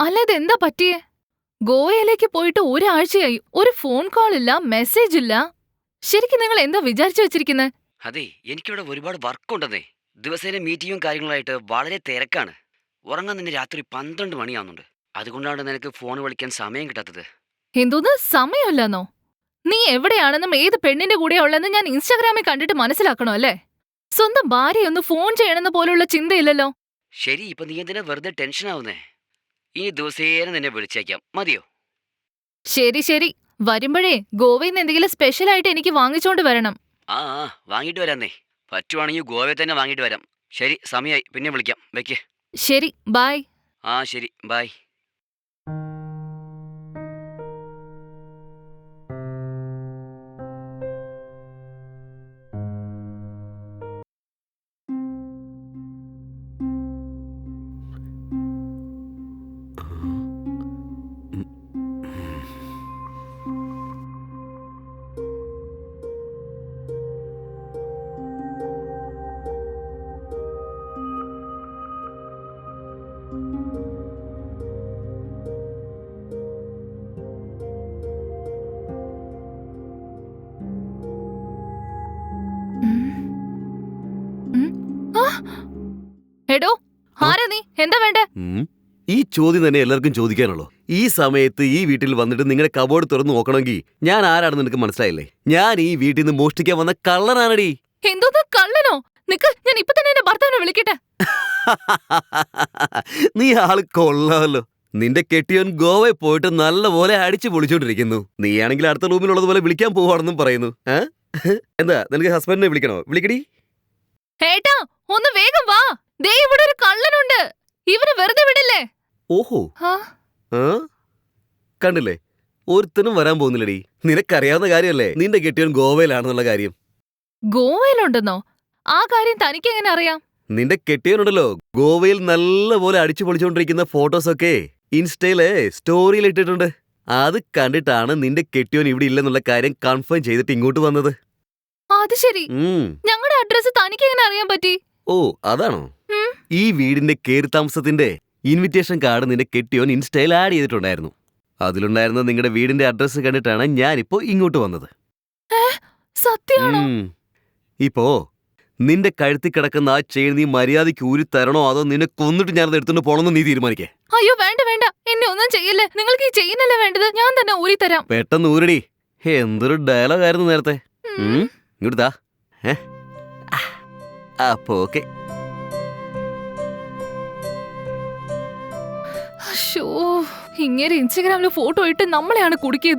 അല്ല ഇതെന്താ പറ്റിയേ? ഗോവയിലേക്ക് പോയിട്ട് ഒരാഴ്ചയായി. ഒരു ഫോൺ കോൾ ഇല്ല, മെസ്സേജ് ഇല്ല. ശരിക്കും നിങ്ങൾ എന്താ വിചാരിച്ചു വെച്ചിരിക്കുന്നത്? അതെ, എനിക്കിവിടെ ഒരുപാട് വർക്കുണ്ടെന്നേ. ദിവസേന മീറ്റിങ്ങും കാര്യങ്ങളായിട്ട് വളരെ തിരക്കാണ്. ഉറങ്ങാൻ തന്നെ രാത്രി 12 മണിയാവുന്നുണ്ട്. അതുകൊണ്ടാണ് നിനക്ക് ഫോൺ വിളിക്കാൻ സമയം കിട്ടാത്തത്. എന്തോന്ന് സമയമില്ലെന്നോ? നീ എവിടെയാണെന്നും ഏത് പെണ്ണിന്റെ കൂടെയാ ഉള്ളതെന്ന് ഞാൻ ഇൻസ്റ്റാഗ്രാമിൽ കണ്ടിട്ട് മനസ്സിലാക്കണോ അല്ലേ? സ്വന്തം ഭാര്യയൊന്ന് ഫോൺ ചെയ്യണമെന്ന് പോലുള്ള ചിന്തയില്ലല്ലോ. ശരി, ഇപ്പൊ നീ എന്തിനാ വെറുതെ ടെൻഷൻ ആവുന്നേ? ഇനി ദിവസേന നിന്നെ വിളിച്ചേക്കാം, മതിയോ? ശരി ശരി, വരുമ്പഴേ ഗോവയിൽ നിന്ന് എന്തെങ്കിലും സ്പെഷ്യൽ ആയിട്ട് എനിക്ക് വാങ്ങിച്ചോണ്ട് വരണം. വാങ്ങിയിട്ട് വരാന്നേ. പറ്റുവാണെങ്കിൽ ഗോവയിൽ തന്നെ വാങ്ങിയിട്ട് വരാം. ശരി, സമയമായി, പിന്നെ വിളിക്കാം. വെക്ക്. ശരി, ബൈ. ശരി, ബൈ. എടോ, ആരാ നീ? എന്താ വേണ്ടേ? ഈ ചോദ്യം തന്നെ എല്ലാവർക്കും ചോദിക്കാനുള്ളൂ. ഈ സമയത്ത് ഈ വീട്ടിൽ വന്നിട്ട് നിങ്ങളുടെ കബോർഡ് തുറന്നു നോക്കണമെങ്കിൽ ഞാൻ ആരാണെന്ന് നിനക്ക് മനസ്സിലായില്ലേ? ഞാൻ ഈ വീട്ടിൽ നിന്ന് മോഷ്ടിക്കാൻ വന്ന കള്ളനാണടി. എന്തോന്ന് കള്ളനോ? നിക്ക്, ഞാൻ ഇപ്പൊ തന്നെ എന്റെ ഭർത്താവിനെ വിളിക്കട്ടെ. നീ ആള് കൊള്ളാമല്ലോ. നിന്റെ കെട്ടിയോൻ ഗോവയിൽ പോയിട്ട് നല്ലപോലെ അടിച്ചു പൊളിച്ചോണ്ടിരിക്കുന്നു. നീയാണെങ്കിൽ അടുത്ത റൂമിലുള്ളത് പോലെ വിളിക്കാൻ പോവാണെന്നും പറയുന്നു. എന്താ നിനക്ക് ഹസ്ബൻഡിനെ വിളിക്കണോ? വിളിക്കടി. ഏട്ടാ, ഒന്ന് വേഗം വാ. ദേ ഇവിടെ ഒരു കള്ളനുണ്ട്. ഇവന് വെറുതെ വിടില്ലേ? ഓഹോ, കണ്ടില്ലേ, ഒരുത്തനും വരാൻ പോകുന്നില്ലടി. നിനക്കറിയാവുന്ന കാര്യമല്ലേ നിന്റെ കെട്ടിയോൻ ഗോവയിലാണെന്നുള്ള കാര്യം. ഗോവയിലുണ്ടെന്നോ? ആ കാര്യം തനിക്ക് എങ്ങനെ അറിയാം? നിന്റെ കെട്ടിയോനുണ്ടല്ലോ, ഗോവയിൽ നല്ലപോലെ അടിച്ചു പൊളിച്ചോണ്ടിരിക്കുന്ന ഫോട്ടോസൊക്കെ ഇൻസ്റ്റയില് സ്റ്റോറിയിൽ ഇട്ടിട്ടുണ്ട്. അത് കണ്ടിട്ടാണ് നിന്റെ കെട്ടിയോൻ ഇവിടെ ഇല്ലെന്നുള്ള കാര്യം കൺഫേം ചെയ്തിട്ട് ഇങ്ങോട്ട് വന്നത്. അത് ശരി. ഞങ്ങളുടെ അഡ്രസ് തനിക്ക് എങ്ങനെ അറിയാൻ പറ്റി? ഓ, അതാണോ? ഈ വീടിന്റെ കേറി താമസത്തിന്റെ ഇൻവിറ്റേഷൻ കാർഡ് നിന്റെ കെട്ടിയോൻ ഇൻസ്റ്റയിൽ ആഡ് ചെയ്തിട്ടുണ്ടായിരുന്നു. അതിലുണ്ടായിരുന്ന നിങ്ങളുടെ വീടിന്റെ അഡ്രസ് കണ്ടിട്ടാണ് ഞാനിപ്പോ ഇങ്ങോട്ട് വന്നത്. സത്യമാണോ? ഇപ്പോ നിന്റെ കഴുത്തി കിടക്കുന്ന ആ ചെയിൻ നീ മര്യാദയ്ക്ക് ഊരി തരണോ അതോ നിന്നെ കൊന്നിട്ട് ഞാനത് എടുത്തോണ്ട് പോണെന്ന് നീ തീരുമാനിക്കേ. അയ്യോ വേണ്ട വേണ്ട, എന്നെ ഒന്നും ചെയ്യല്ലേ. നിങ്ങൾക്ക് ഈ ചെയിനല്ലേ വേണ്ടത്? ഞാൻ തന്നെ ഊരി തരാം. പെട്ടെന്ന് ഊരടി. എന്തൊരു ഡയലോഗ് ആയിരുന്നു നേരത്തെ. ഇങ്ങോട്ടാ. അപ്പോ ഓക്കെ. ഇങ്ങനെ ഇൻസ്റ്റഗ്രാമില് ഫോട്ടോ ഇട്ട് നമ്മളെയാണ് കുടുക്കിയത്.